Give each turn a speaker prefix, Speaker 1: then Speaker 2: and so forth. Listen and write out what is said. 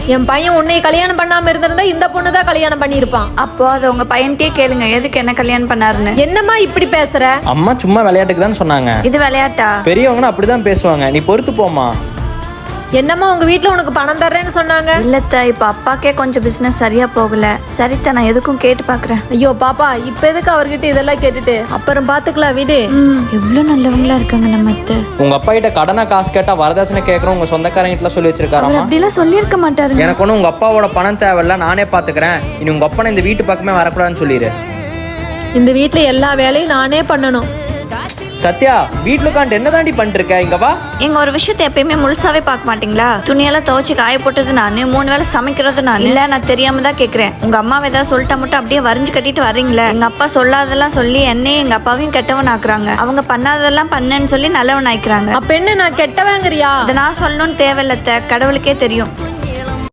Speaker 1: என் பையன் உன்னை கல்யாணம் பண்ணாம இருந்திருந்தா இந்த பொண்ணு தான் கல்யாணம் பண்ணிருப்பான்.
Speaker 2: அப்போ அதை உங்க பையன்கிட்டயே கேளுங்க, எதுக்கு என்ன கல்யாணம் பண்ணாருன்னு.
Speaker 1: என்னம்மா இப்படி பேசுற?
Speaker 3: அம்மா சும்மா விளையாட்டுக்கு தான் சொன்னாங்க.
Speaker 2: இது விளையாட்டா?
Speaker 3: பெரியவங்கன்னா அப்படிதான் பேசுவாங்க, நீ பொறுத்து போமா.
Speaker 1: என்னம்மா உங்க வீட்டுல உனக்கு பணம் தர்றேன்னு சொன்னாங்க?
Speaker 2: இல்லத்த, இப்ப அப்பாக்கே கொஞ்சம் பிசினஸ் சரியா போகல. சரித்த, நான் எதுக்கும் கேட்டு பாக்குறேன்.
Speaker 1: ஐயோ பாப்பா, இப்ப எதுக்கு அவர்கிட்ட இதெல்லாம் கேட்டுட்டு? அப்புறம் பாத்துக்கலாம், வீடு.
Speaker 2: எவ்வளவு நல்லவங்களா இருக்காங்க நம்ம அத்தை.
Speaker 3: உங்க அப்பா கிட்ட கடனா காசு கேட்டா வரதட்சணை கேட்கறோம் உங்க சொந்தக்காரங்க கிட்ட சொல்லி வச்சிருக்காராமா.
Speaker 2: அப்படிலாம் சொல்லியிருக்க மாட்டாருங்க.
Speaker 3: எனக்கு ஒன்றும் உங்க அப்பாவோட பணம் தேவையில்ல, நானே பாத்துக்கிறேன். இனி உங்க அப்பா இந்த வீட்டு பக்கமே வரக்கூடாதுன்னு சொல்லிடு.
Speaker 1: இந்த வீட்டுல எல்லா வேலையும் நானே பண்ணணும்.
Speaker 3: சத்யா, வீட்டுல உட்காந்து என்ன தாண்டி பண்ணிட்டு இருக்க? இங்க வா.
Speaker 2: எங்க ஒரு விஷயத்தை எப்பயுமே முழுசாவே பார்க்க மாட்டீங்களா? துணியெல்லாம் துவைச்சு காய போட்டது நானு, 3 வேளை சமைக்கிறது நானு. இல்ல, நான் தெரியாம தான் கேக்குறேன். உங்க அம்மாவை ஏதாவது சொல்லிட்டா மட்டும் அப்படியே வரைஞ்சு கட்டிட்டு வர்றீங்களே. எங்க அப்பா சொல்லாதெல்லாம் சொல்லி என்னையும் எங்க அப்பாவையும் கெட்டவன் ஆக்குறாங்க. அவங்க பண்ணாததெல்லாம் பண்ணேன்னு சொல்லி நல்லவன் ஆயிக்கிறாங்க.
Speaker 1: அப்ப என்ன, நான் கெட்டவங்கிறியா?
Speaker 2: இதை நான் சொல்லணும்னு தேவையில்லத்த, கடவுளுக்கே தெரியும்.